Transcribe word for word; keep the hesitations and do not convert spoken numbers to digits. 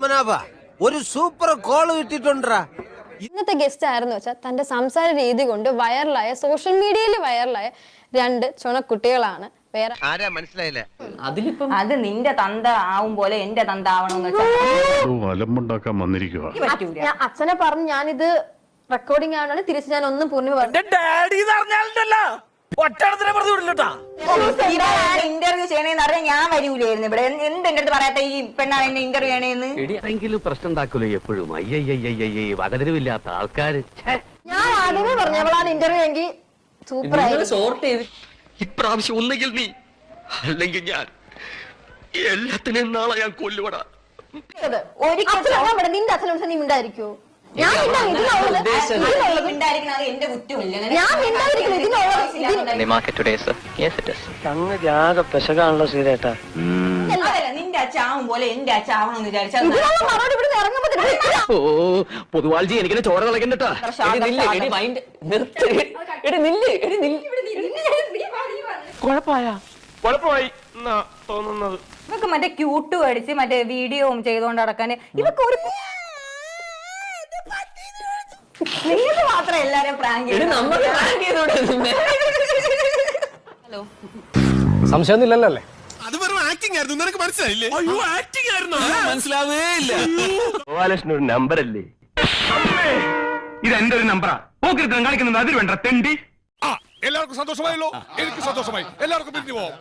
പത്മനാഭ ഒരു super call കിട്ടിട്ടുണ്ടാ. ഇന്നത്തെ guest ആയിരുന്നു വെച്ചാൽ തന്റെ സംസാര രീതി കൊണ്ട് വൈറലായ സോഷ്യൽ മീഡിയയിൽ വൈറലായ രണ്ട് ചുണക്കുട്ടികളാണ്. വേറെ ആരാ മനസ്സിലായില്ല. അതിലിപ്പം അത് നിന്റെ തന്ത ആവും പോലെ എന്റെ തന്ത ആവണമെന്ന് വന്നിരിക്കുക. ഞാൻ അച്ഛനെ പറഞ്ഞു ഞാനിത് റെക്കോർഡിംഗ് ആണ്, തിരിച്ച് ഞാൻ ഒന്നും പൂർണ്ണ പറഞ്ഞു. ഇന്റർവ്യൂ ചെയ്യണേന്ന് അറിയാൻ ഞാൻ വരൂലായിരുന്നു ഇവിടെ. എന്ത് എന്റെ അടുത്ത് പറയാത്ത ഈ പെണ്ണാണ് എന്നെ ഇന്റർവ്യൂ ചെയ്യണേന്ന്. എങ്കിലും പ്രശ്നം ഉണ്ടാക്കൂലോ എപ്പോഴും. അയ്യയ്യയ്യയ്യേ വകതിരിവില്ലാത്ത ആൾക്കാര്. ഞാൻ ആദ്യമേ പറഞ്ഞു അവളാണ് ഇന്റർവ്യൂ എങ്കിൽ സൂപ്പർ ആയി. സോർട്ട് ചെയ്ത് ഇപ്രാവശ്യം ഒന്നുകിൽ നീ അല്ലെങ്കിൽ ഞാൻ എല്ലാത്തിനും നാളെ ഞാൻ കൊല്ലുപടാ. ഒരിക്കലും നിന്റെ അച്ഛനും നീ മിണ്ടായിരിക്കോ? ഞാൻ നിന്റെ അച്ഛാവും പോലെ എന്റെ അച്ഛാവണമെന്ന് വിചാരിച്ചാൽ ഓ പൊതുവാൾജി എനിക്കിനെ ചോര കളക്കണ്ടട്ടാ. കുഴപ്പമായ കുഴപ്പമായി തോന്നുന്നത്. ഇവക്ക് മറ്റേ ക്യൂട്ട് അടിച്ച് മറ്റേ വീഡിയോ ചെയ്തോണ്ട് നടക്കാന് ഇവക്ക് ഒരു മാത്രം എല്ലാരും പ്രാങ്ക് ഹലോ സംശയമൊന്നുമില്ലല്ലേ? അത് വെറും ആക്ടിംഗ് ആയിരുന്നു. നിനക്ക് മനസ്സിലായില്ലേ? അയ്യോ ആക്ടിംഗ് ആയിരുന്നു, മനസ്സിലാവേ ഇല്ല. ഗോപാലകൃഷ്ണൻ ഒരു നമ്പർ അല്ലേ? ഇത് എന്റെ ഒരു നമ്പറാ. പോക്കിരുത്തം കാണിക്കുന്നത് അതിൽ വേണ്ട തെണ്ടി. എല്ലാവർക്കും സന്തോഷമായല്ലോ. എനിക്ക് സന്തോഷമായി. എല്ലാവർക്കും പിരിഞ്ഞു പോവാം.